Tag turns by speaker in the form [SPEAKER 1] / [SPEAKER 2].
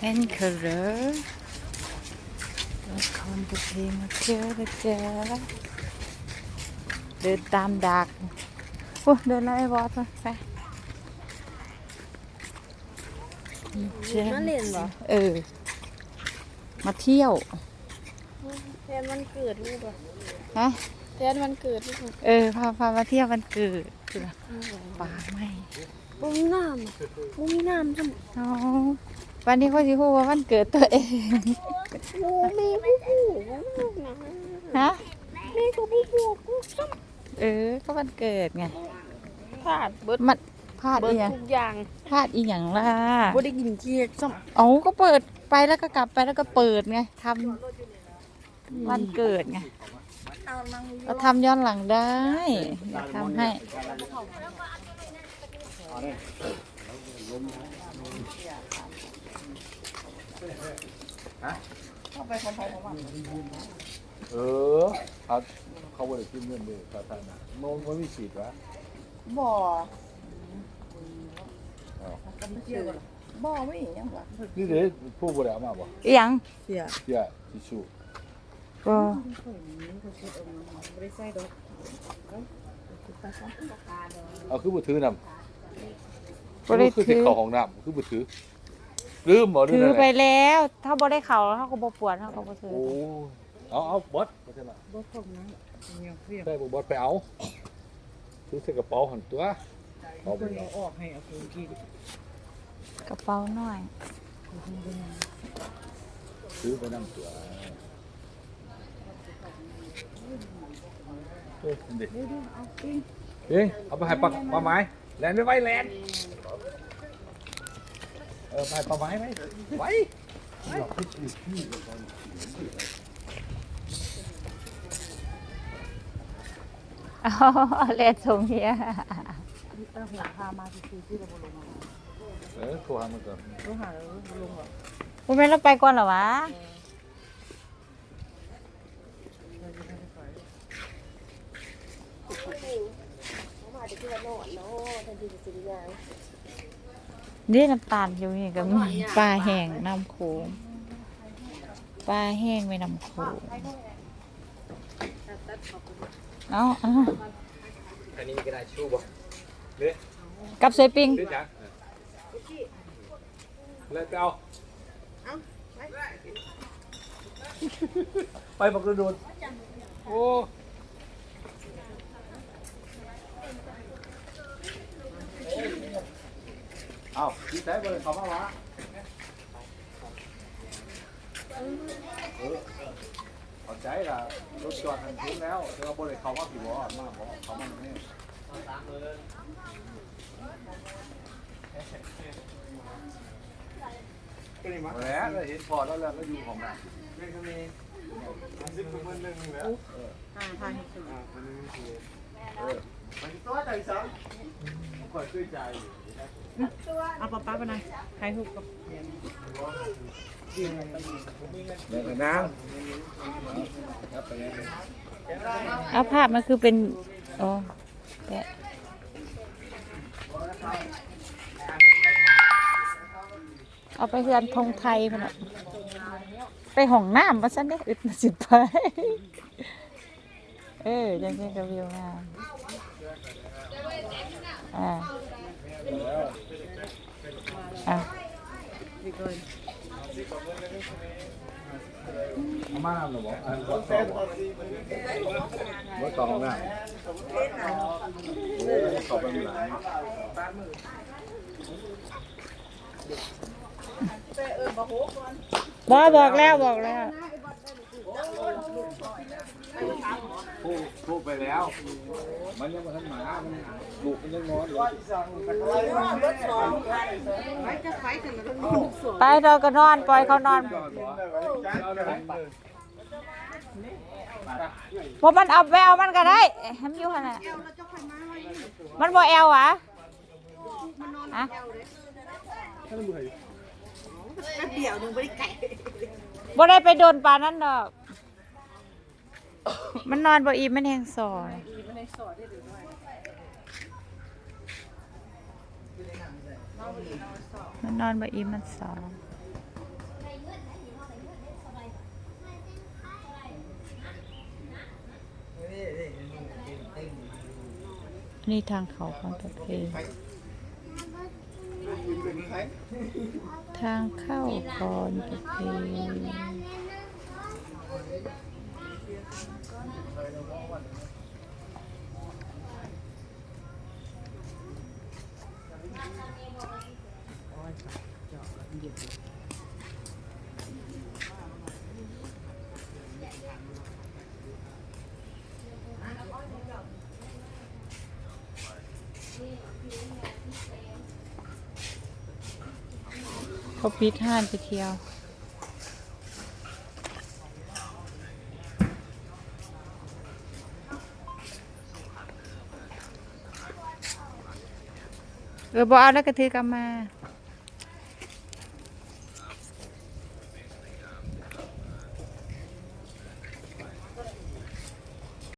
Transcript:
[SPEAKER 1] Anchor ละครบุพเพมาเที่ยวนะจ๊ะเดินตามดักโอ้เดินแล้วไอ้บอสไป
[SPEAKER 2] มาเล่นเหรอ
[SPEAKER 1] มาเที่ยว
[SPEAKER 2] แทนวันเกิดลูกเหรอ
[SPEAKER 1] ฮะ
[SPEAKER 2] แทนวันเกิดลูก
[SPEAKER 1] พามาเที่ยววันเกิดป่าไม่
[SPEAKER 2] บุ้มน้ำบุ้มน้ำจัง
[SPEAKER 1] อ๋อวันนี้เขาสิพูดว่าวันเกิดตัวเอง
[SPEAKER 2] โอ้แม่ผู้ผู้
[SPEAKER 1] ฮะ
[SPEAKER 2] แม่ก็ผู้ผู้กูซ้
[SPEAKER 1] ก็วันเกิดไง
[SPEAKER 2] พลาดเบิด
[SPEAKER 1] มันพลาดอีหยัง
[SPEAKER 2] ทุกอย่าง
[SPEAKER 1] พลาดอีหยังล่ะ
[SPEAKER 2] บ่ได้กินเค้กซ้
[SPEAKER 1] ก็เปิดไปแล้วก็กลับไปแล้วก็เปิดไงทำวันเกิดไงเราทำย้อนหลังได้อยากทำให้
[SPEAKER 3] เขาบริกินเงินเลยสาธารณะมันไม่ฉีดวะ
[SPEAKER 2] บ่
[SPEAKER 3] ไม่ยังวะนี่เด็กผู้บริหารมาบ่
[SPEAKER 1] ยัง
[SPEAKER 3] เสียทิชชู่
[SPEAKER 1] ก็
[SPEAKER 3] เอาคือบุถือนำ
[SPEAKER 1] ก็ได้
[SPEAKER 3] คือติดเข่าของน้ำคือบุถือลืมบ่
[SPEAKER 1] ถือไปแล้วถ้าบ่ได้เข่าแล้วเขาก็บ่ปวดเขาก็บ่ถือ
[SPEAKER 3] เอาบอสมาเถอะนะ
[SPEAKER 2] บอสผมนะ
[SPEAKER 3] ใช่บอสไปเอาถือใส่กระเป๋าหันตัว
[SPEAKER 2] เอาไปออกให้เอาไปกิน
[SPEAKER 1] กระเป๋าหน่อย
[SPEAKER 3] ถือไปนั่งตัวเอาไปให้ปลาไม้แลนไปไว้แลนไปปลาไม้ไว้ไว้
[SPEAKER 1] เล่นทรงเฮีย
[SPEAKER 2] หัวพามาที่เราลงมา
[SPEAKER 3] โทรหามันก่อน
[SPEAKER 2] โทรหาแล้วลงเหรอ
[SPEAKER 1] คุณแม่เราไปก่อนเหรอวะนี่น้ำตาลอยู่นี่ก็มีปลาแห้งน้ำโขงปลาแห้งไม่น้ำโขงเอา
[SPEAKER 3] อันนี้ก็ได้ชูบ่เด้
[SPEAKER 1] กับเสปิง
[SPEAKER 3] แล้วเอาไปบักระโดดโอ้เอาดีใจเลยเขามาวะเข้าใจละรถจอดทันทีแล้วเราบริเขาว่าผีวอมาบอกเขามาเนี่ยแล้วเห็นพอแล้วแล้วอยู่ของแบบนี่ก็มี10คนนึงแล้ว
[SPEAKER 2] พาให้สุด
[SPEAKER 3] มันตัวใจซ้ำคอยช่วยใจ
[SPEAKER 2] เอาป้าไปไหนใครหุบกับ
[SPEAKER 3] เดี๋ยวน้ำ
[SPEAKER 1] เอาภาพมันคือเป็นเอาไปเฮือนธงไทยมันไปห้องน้ำมาสั้นได้อึดมาสิไปจังๆกับวิวงาม
[SPEAKER 3] มาหรอบอกวัดต่อวัดต่อของหน้าขอบคุณหลาย
[SPEAKER 1] บอกแล้ว
[SPEAKER 3] พูดไปแล้วมันยังมาทันหมามันลูกมันยังนอนอยู่
[SPEAKER 1] ไปเราก็นอนปล่อยเขานอนพอมันเอาแววมันก็ได้ทำอยู่ขนาดมันบ่แอลวะ
[SPEAKER 2] เดี๋ยวนึงไม่ได้ไก่
[SPEAKER 1] บ่ได้ไปโดนปลานั่นดอกมันนอนบ่อิ่มมันแห้งสอนมันนอนบ่อิ่มมันสอนนี่ทางเขาของตะเพทางเข้าคอนตะเพเขาปิดห้านไปเที่ยวบอเอาแล้วก็ถือกลับมา